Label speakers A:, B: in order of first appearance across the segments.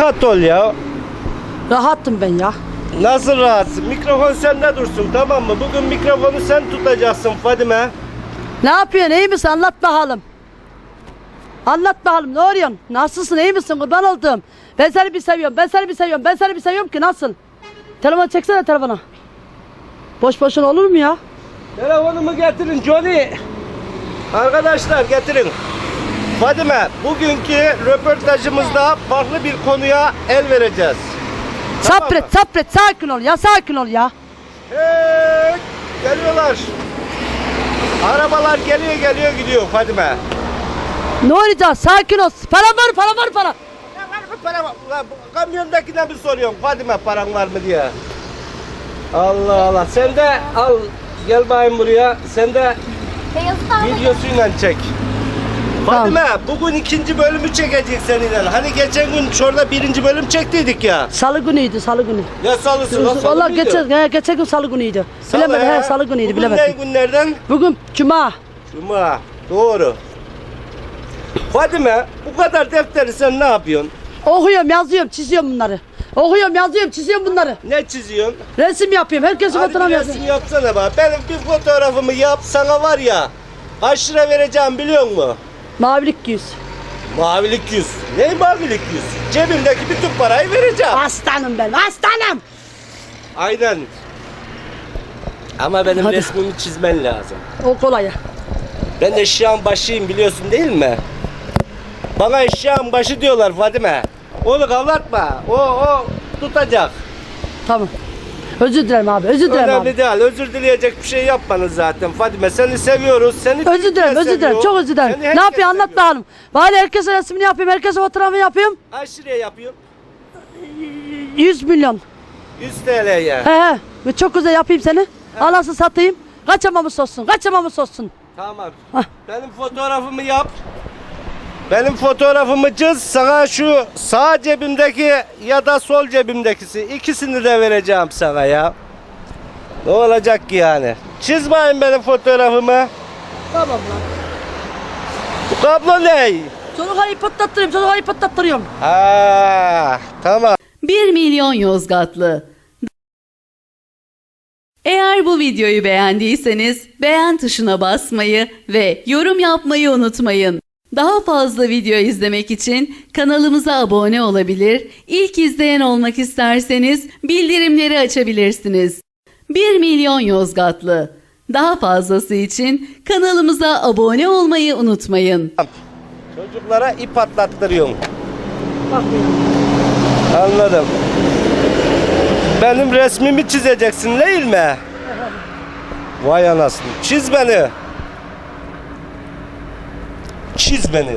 A: rahat ol ya.
B: Rahattım ben ya.
A: Nasıl rahatsın? Mikrofon sende dursun, tamam mı? Bugün mikrofonu sen tutacaksın Fadime.
B: Ne yapıyorsun, iyi misin? Anlat bakalım. Anlat bakalım, ne arıyorsun? Nasılsın, iyi misin? Kurban oldum. Ben seni bir seviyorum, ben seni bir seviyorum, ben seni bir seviyorum ki nasıl? Telefonu çeksene telefona. Boş boşuna olur mu ya?
A: Telefonumu getirin Johnny. Arkadaşlar getirin. Fadime, bugünkü röportajımızda farklı bir konuya el vereceğiz.
B: Sabret, sabret, sakin ol ya, sakin ol ya.
A: Hey, geliyorlar. Arabalar geliyor gidiyor Fadime.
B: Ne olacak, sakin ol. Para var, para var, para.
A: Para var. Ulan bu kamyondakine bir soruyorum Fadime, paran var mı diye. Allah Allah, sen de al, gel bayım buraya, sen de videosuyla çek. Fadime, bugün ikinci bölümü çekecek seninle. Hani geçen gün şurada birinci bölüm çektiydik ya.
B: Salı günüydü, salı günü.
A: Ya salısı lan, salı
B: Vallahi
A: mıydı?
B: geçen gün salı günüydü.
A: Salı
B: Bilemedim,
A: he.
B: salı günüydü,
A: Bugün
B: bilemedim.
A: ne günlerden?
B: Bugün cuma.
A: Cuma, doğru. Fadime, bu kadar defteri sen ne yapıyorsun?
B: Okuyorum, yazıyorum, çiziyorum bunları. Okuyorum, yazıyorum, çiziyorum bunları.
A: Ne çiziyorsun?
B: Resim yapıyorum, herkesin
A: Hadi
B: fotoğraf
A: bir
B: yazıyorum.
A: resim yapsana bak. Benim bir fotoğrafımı yap, sana var ya, kaç lira vereceğim biliyor musun?
B: Mavilik yüz.
A: Mavilik yüz. Ne mavilik yüz? Cebimdeki bütün parayı vereceğim.
B: Aslanım ben, aslanım.
A: Aynen. Ama benim
B: Hadi.
A: resmimi çizmen lazım.
B: O kolay.
A: Ben eşyağın başıyım, biliyorsun değil mi? Bana eşyağın başı diyorlar Fadime. Onu kavratma. O tutacak.
B: Tamam. Özür dilerim abi, özür dilerim
A: Önemli
B: abi.
A: değil. Özür dileyecek bir şey yapmanız zaten Fadime. Seni seviyoruz. Seni
B: Özür dilerim,
A: Türkiye
B: özür dilerim.
A: seviyor.
B: Çok özür dilerim.
A: Seni
B: Ne
A: herkes
B: yapıyor anlat
A: seviyor.
B: bakalım. Bari herkese resmini yapıyorum, herkese fotoğrafı yapıyorum.
A: Kaç liraya yapıyor?
B: 100 milyon.
A: 100 TL'ye.
B: He. Ve çok güzel yapayım seni. Anasını satayım. Kaçamamış olsun, kaçamamış olsun.
A: Tamam.
B: Hah.
A: Benim fotoğrafımı yap. Benim fotoğrafımı çiz. Sana şu sağ cebimdeki ya da sol cebimdekisi, ikisini de vereceğim sana ya. Ne olacak ki yani? Çiz bakayım benim fotoğrafımı.
B: Tamam lan.
A: Bu kablo ne?
B: Çocukları patlattırıyorum, çocukları patlattırıyorum.
A: Ha, tamam.
C: 1 milyon Yozgatlı. Eğer bu videoyu beğendiyseniz beğen tuşuna basmayı ve yorum yapmayı unutmayın. Daha fazla video izlemek için kanalımıza abone olabilir, ilk izleyen olmak isterseniz bildirimleri açabilirsiniz. 1 milyon Yozgatlı. Daha fazlası için kanalımıza abone olmayı unutmayın.
A: Çocuklara ip atlattırıyorum.
B: Bak ya.
A: Anladım. Benim resmimi çizeceksin değil mi? Vay anasını. Çiz beni. Çiz beni.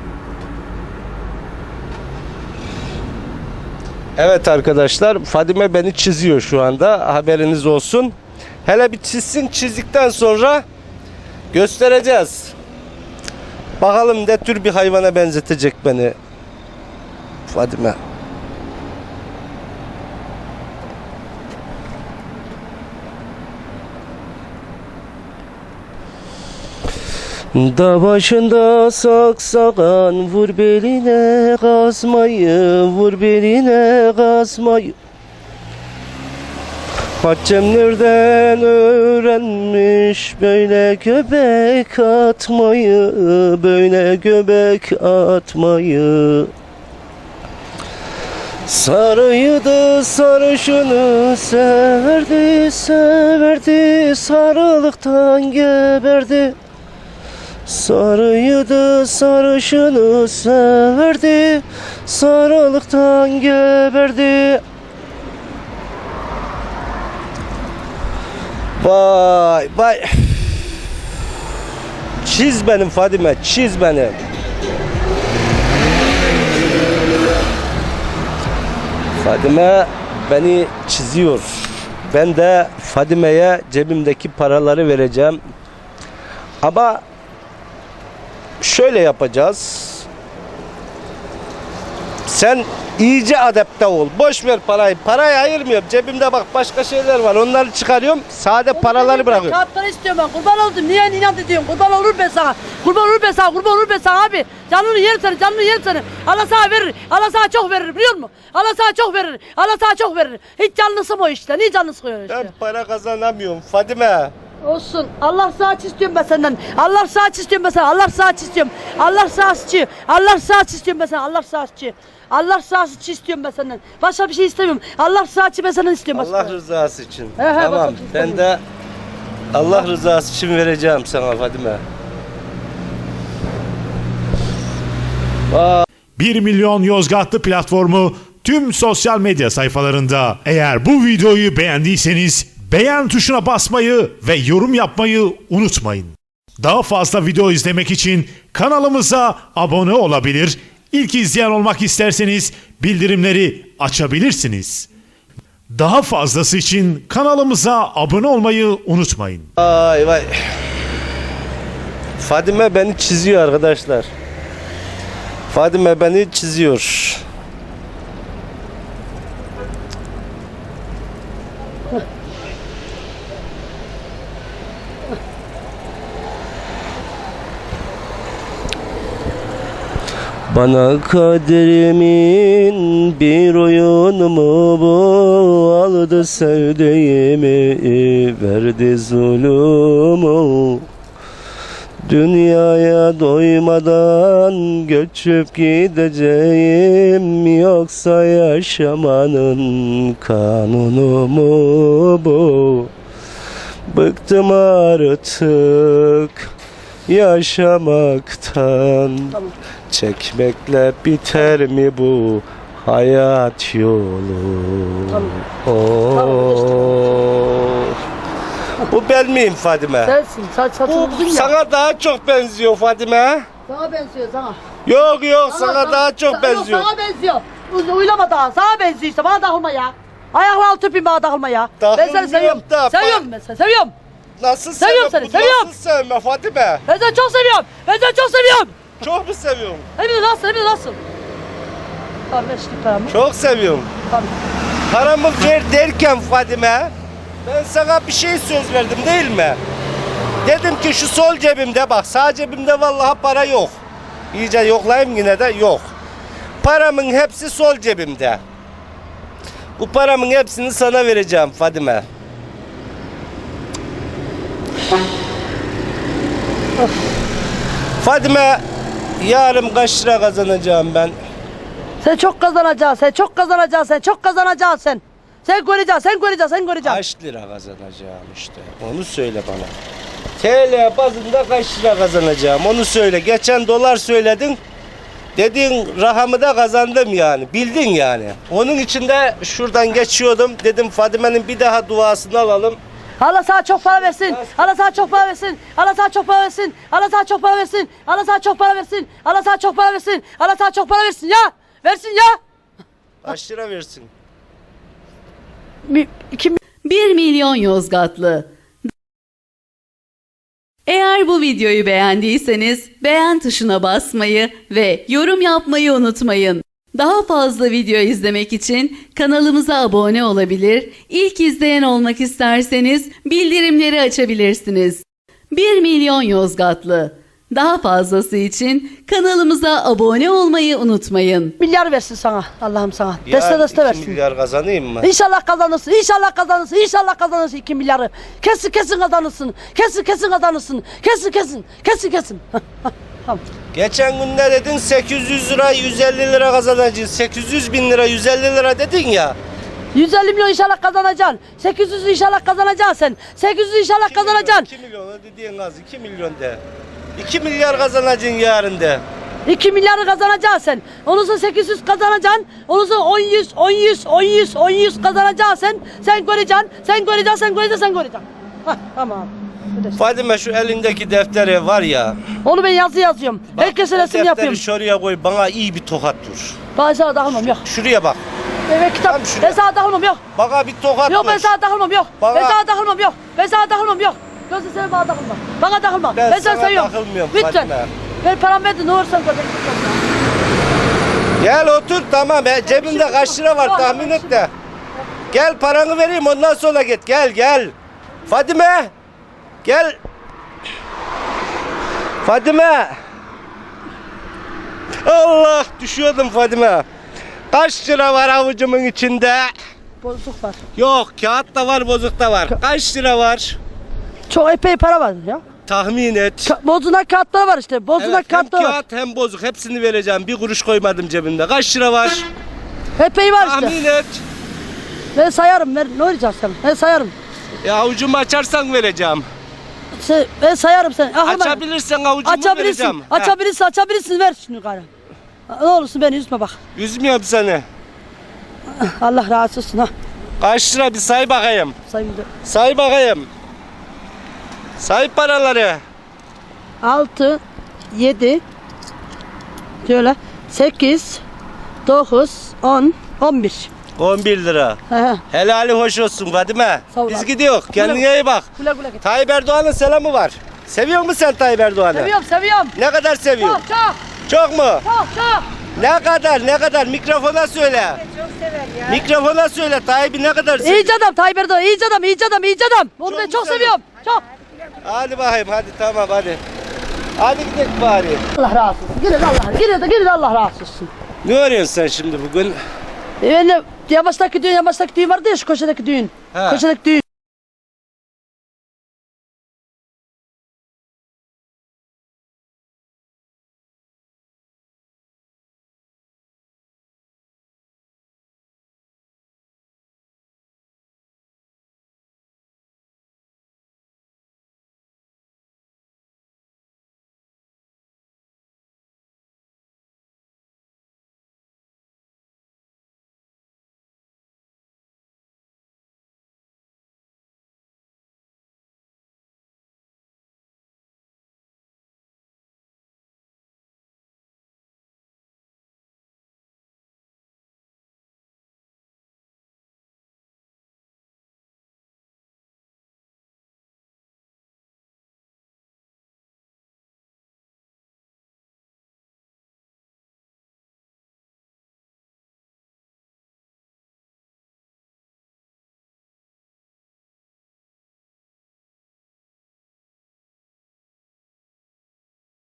A: Evet arkadaşlar, Fadime beni çiziyor şu anda. Haberiniz olsun. Hele bir çizsin, çizdikten sonra göstereceğiz. Bakalım ne tür bir hayvana benzetecek beni Fadime. Da başında saksakan, vur beline kazmayı, vur beline kazmayı. Haccem nereden öğrenmiş böyle göbek atmayı, böyle göbek atmayı. Sarıydı sarışını severdi, severdi, sarılıktan geberdi. Sarıydı sarışını severdi, sarılıktan geberdi. Vay vay. Çiz benim Fadime, çiz beni. Fadime beni çiziyor. Ben de Fadime'ye cebimdeki paraları vereceğim. Ama şöyle yapacağız. Sen iyice adapte ol. Boş ver parayı. Parayı ayırmıyorum. Cebimde bak başka şeyler var. Onları çıkarıyorum. Sade paraları bırakıyorum.
B: Kağıt para istiyorum ben. Kurban oldum. Niye inat ediyorsun? Kurban olur ben sana. Kurban olur ben sana. Kurban olur ben sana abi. Canını yerim seni. Canını yerim seni. Allah sana verir. Allah sana çok verir biliyor musun? Allah sana çok verir. Allah sana çok verir. Hiç canını sıkma o işte. Niye canını sıkıyorsun işte?
A: Ben para kazanamıyorum Fadime.
B: Olsun. Allah saat istiyorum ben senden. Allah saat istiyorum ben senden. Allah saat istiyorum. Allah saatçi. Allah saat istiyorum ben senden. Allah saatçi. Allah saatçi istiyorum ben senden. Başka bir şey istemiyorum. Allah saatçi ben senden istiyorum.
A: Allah rızası için.
B: He, he,
A: Tamam.
B: bakın,
A: Ben de Allah rızası için vereceğim sana Fadime.
D: 1 milyon Yozgatlı platformu tüm sosyal medya sayfalarında. Eğer bu videoyu beğendiyseniz beğen tuşuna basmayı ve yorum yapmayı unutmayın. Daha fazla video izlemek için kanalımıza abone olabilir, İlk izleyen olmak isterseniz bildirimleri açabilirsiniz. Daha fazlası için kanalımıza abone olmayı unutmayın.
A: Vay vay. Fadime beni çiziyor arkadaşlar. Fadime beni çiziyor. Bana kaderimin bir oyunu mu bu? Aldı sevdiğimi, verdi zulümü. Dünyaya doymadan göçüp gideceğim, yoksa yaşamanın kanunu mu bu? Bıktım artık yaşamaktan.
B: Tamam.
A: Çekmekle biter mi bu hayat yolu?
B: Tamam.
A: Oh. Bu ben miyim Fadime?
B: Sensin. Saçın
A: Bu
B: uzun ya.
A: sana daha çok benziyor Fadime.
B: Sana benziyor sana.
A: Yok sana daha çok benziyor.
B: Yok, sana benziyor. Uylama daha. Sana benziyor işte. Bana takılma ya. Ayaklarını tüpeyim bana takılma ya. Ben seni
A: Takılmıyorum
B: seviyorum.
A: da,
B: Seviyorum ben seni. Seviyorum.
A: Nasıl
B: Seviyorum
A: sevme?
B: seni,
A: Bu
B: seviyorum.
A: Nasıl sevme Fadime?
B: Ben seni çok seviyorum. Ben seni çok seviyorum.
A: Çok mu seviyorum?
B: Hem de nasıl? Hem de nasıl? Tamam ver şimdi paramı.
A: Çok seviyorum.
B: Tamam.
A: Paramı ver derken Fadime, ben sana bir şey söz verdim değil mi? Dedim ki şu sol cebimde bak, sağ cebimde vallahi para yok. İyice yoklayayım yine de yok. Paramın hepsi sol cebimde. Bu paramın hepsini sana vereceğim Fadime. Fadime, yarın kaç lira kazanacağım ben?
B: Sen çok kazanacaksın. Sen çok kazanacaksın. Sen çok kazanacaksın sen. Sen göreceksin. Sen göreceksin. Sen göreceksin.
A: Kaç lira kazanacağım işte. Onu söyle bana. TL bazında kaç lira kazanacağım onu söyle. Geçen dolar söyledin. Dedin rahamı da kazandım yani. Bildin yani. Onun için de şuradan geçiyordum. Dedim Fadime'nin bir daha duasını alalım.
B: Allah sana çok para versin. Allah sana çok para versin. Allah sana çok para versin. Allah sana çok para versin. Allah sana çok para versin. Allah sana çok para versin. Allah sana çok para versin ya. Versin ya.
A: Kaç lira versin?
C: 1 milyon Yozgatlı. Eğer bu videoyu beğendiyseniz beğen tuşuna basmayı ve yorum yapmayı unutmayın. Daha fazla video izlemek için kanalımıza abone olabilir, ilk izleyen olmak isterseniz bildirimleri açabilirsiniz. 1 milyon Yozgatlı. Daha fazlası için kanalımıza abone olmayı unutmayın.
B: Milyar versin sana. Allah'ım sana.
A: Ya
B: Deste
A: 2
B: versin.
A: milyar kazanayım mı?
B: İnşallah kazanırsın. İnşallah kazanırsın. İnşallah kazanırsın 2 milyarı. Kesin kazanırsın. Kesin kazanırsın. Kesin. Tamam.
A: Geçen gün ne dedin? 800 lira 150 lira kazanacağız. 800 bin lira 150 lira dedin ya.
B: 150 milyon inşallah kazanacaksın. 800 inşallah kazanacaksın sen. 800 inşallah kazanacaksın.
A: 2 milyon dediğin az 2 milyon de. 2 milyar kazanacaksın yarın de.
B: 2 milyarı kazanacaksın sen. Onu sonra 800 kazanacaksın. Onu sonra 10 100 kazanacaksın sen. Sen göreceksin. Hah, tamam.
A: Fadime şu elindeki defteri var ya.
B: Onu ben yazıyorum.
A: Bak,
B: Herkese
A: o
B: resim
A: defteri
B: yapıyorum.
A: şuraya koy bana iyi bir tokat vur.
B: Ben sana takılmam yok.
A: Şuraya bak.
B: Evet kitap.
A: Tam şuraya.
B: Ben sana takılmam yok.
A: Bana bir tokat
B: Yok ben
A: vur.
B: sana takılmam yok.
A: Bana-
B: Ben sana takılmam yok. Gözün seveyim bana takılma. Bana takılma.
A: Ben
B: Ben seni
A: sana
B: seviyorum.
A: takılmıyorum
B: Lütfen.
A: Fatime.
B: Ver paramı ver de ne olursan götür.
A: Gel otur tamam. Cebimde kaç lira var tahmin et de. Gel paranı vereyim ondan sonra git. Gel. Fadime. Gel. Fadime. Allah düşüyordum Fadime. Kaç lira var avucumun içinde?
B: Bozuk var.
A: Yok kağıt da var bozuk da var. Kaç lira var?
B: Çok epey para var ya.
A: Tahmin et.
B: Bozunak kağıtları var işte. Bozunak
A: Evet, hem
B: kağıtları var.
A: kağıt hem bozuk hepsini vereceğim. Bir kuruş koymadım cebimde. Kaç lira var?
B: Epey var işte.
A: Tahmin et.
B: Ben sayarım. Ne olacak sen? Ben sayarım.
A: Avucumu açarsan vereceğim.
B: Ben sayarım sen.
A: Açabilirsen avucumu vereceğim.
B: Açabilirsin. Ver şunu yukarı. Ne olursun beni üzme bak.
A: Üzmüyorum seni.
B: Allah razı olsun ha.
A: Kaç lira bir say bakayım.
B: Sayayım da.
A: Say bakayım. Say paraları.
B: 6, 7, şöyle 8, 9, 10, 11.
A: 11 lira.
B: He.
A: Helali hoş olsun Fadime.
B: Sağ ol
A: Biz
B: abi.
A: gidiyoruz. Kendine iyi bak.
B: Güle güle git.
A: Tayyip Erdoğan'ın selamı var. Seviyor musun sen Tayyip Erdoğan'ı?
B: Seviyorum.
A: Ne kadar seviyorsun?
B: Çok.
A: Çok mu?
B: Çok.
A: Ne kadar? Mikrofona söyle. Çok sever ya. Mikrofona söyle. Tayyip'i ne kadar seviyor?
B: İyice adam Tayyip Erdoğan. İyice adam. Onu
A: Çok
B: ben çok
A: güzel.
B: seviyorum. Çok.
A: Hadi bakayım hadi tamam hadi. Hadi gidelim bari.
B: Allah razı olsun. Girin Allah razı olsun.
A: Ne arıyorsun sen şimdi bugün?
B: Ben de yamaçtaki düğün vardı ya şu köşedeki düğün.
A: He.
B: Köşedeki düğün.